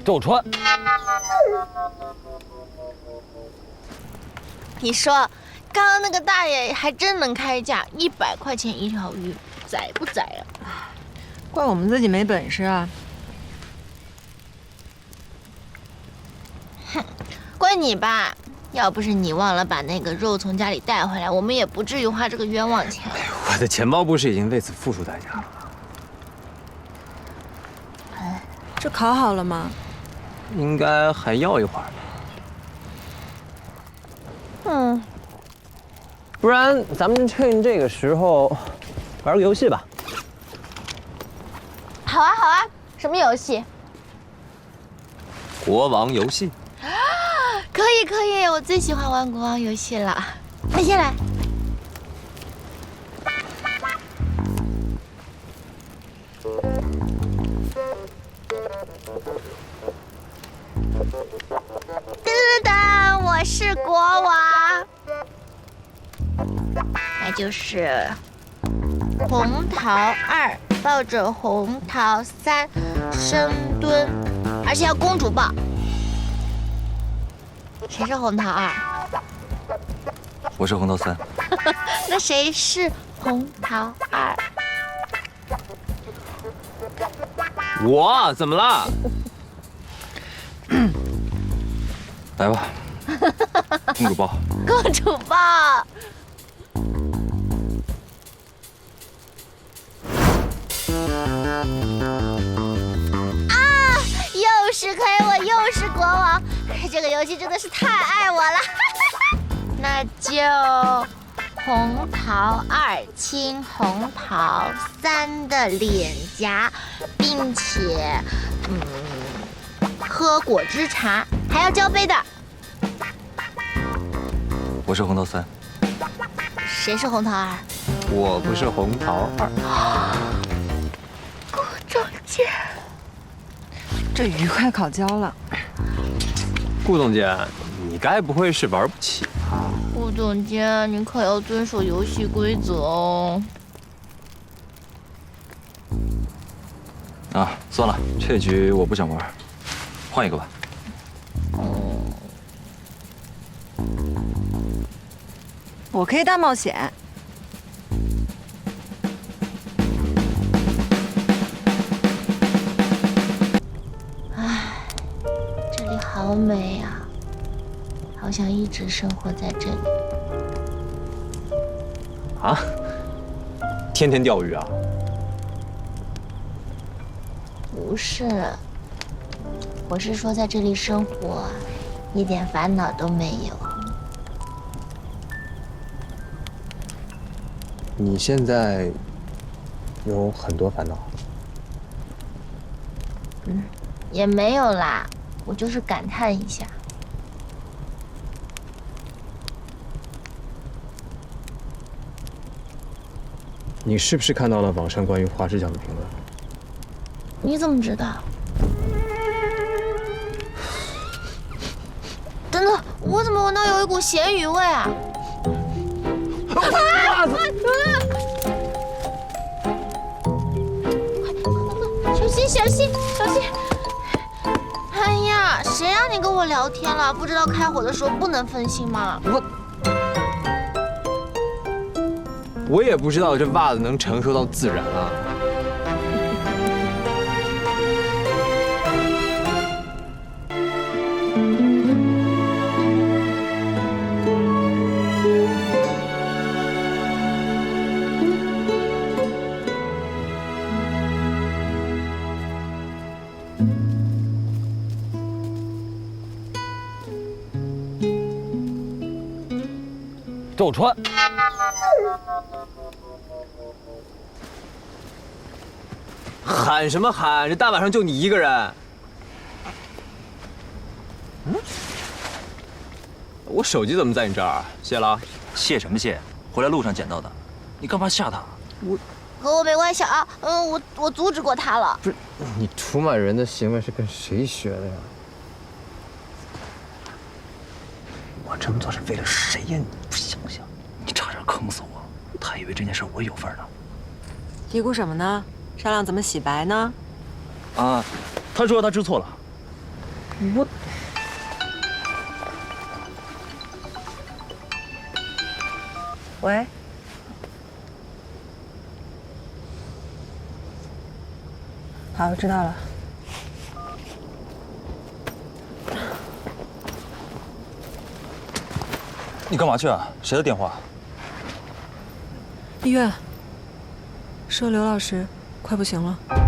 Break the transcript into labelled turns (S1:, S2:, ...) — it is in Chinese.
S1: 周川，
S2: 你说，刚刚那个大爷还真能开价，100块钱一条鱼，宰不宰啊？
S3: 怪我们自己没本事啊！
S2: 哼，怪你吧！要不是你忘了把那个肉从家里带回来，我们也不至于花这个冤枉钱。
S1: 哎呦，我的钱包不是已经为此付出代价了吗？
S3: 这烤好了吗？
S1: 应该还要一会儿吧。
S2: 嗯，
S1: 不然咱们趁这个时候玩个游戏吧。
S2: 好啊，好啊，什么游戏？
S1: 国王游戏。
S2: 可以，可以，我最喜欢玩国王游戏了。你先来。噔噔，我是国王，那就是红桃2抱着红桃3深蹲，而且要公主抱。谁是红桃2？
S1: 我是红桃3。
S2: 那谁是红桃2？
S1: 我怎么了？来吧，公主抱。
S2: 公主抱。啊！又是黑我，又是国王，这个游戏真的是太爱我了。那就红桃2亲红桃3的脸颊，并且喝果汁茶，还要交杯的。
S1: 我是红桃3。
S2: 谁是红桃2？
S1: 我不是红桃2。
S2: 顾总监，
S3: 这鱼快烤焦了。
S1: 顾总监，你该不会是玩不起吧？
S2: 顾总监，你可要遵守游戏规则哦。
S1: 啊，算了，这局我不想玩，换一个吧。
S3: 我可以大冒险。
S2: 唉，这里好美啊，好想一直生活在这里。
S1: 啊？天天钓鱼啊？
S2: 不是，我是说在这里生活，一点烦恼都没有。
S1: 你现在有很多烦恼？
S2: 也没有啦，我就是感叹一下。
S1: 你是不是看到了网上关于花枝酱的评论？
S2: 你怎么知道？等等，我怎么闻到有一股咸鱼味啊？小心，小心，小心！哎呀，谁让你跟我聊天了？不知道开火的时候不能分心吗？
S1: 我也不知道这袜子能承受到自然啊。周川，喊什么喊？这大晚上就你一个人。我手机怎么在你这儿？谢了。
S4: 谢什么谢？回来路上捡到的，你干嘛吓他？
S2: 和我没关系啊。我阻止过他了。
S1: 不是，你出卖人的行为是跟谁学的呀？
S4: 我这么做是为了谁呀？你不想想，你差点坑死我！他以为这件事我有份呢。
S3: 嘀咕什么呢？商量怎么洗白呢？
S4: 啊，他说他知错了，
S1: 我
S3: 喂，好，我知道了。
S5: 你干嘛去啊？谁的电话？
S3: 医院，说刘老师快不行了。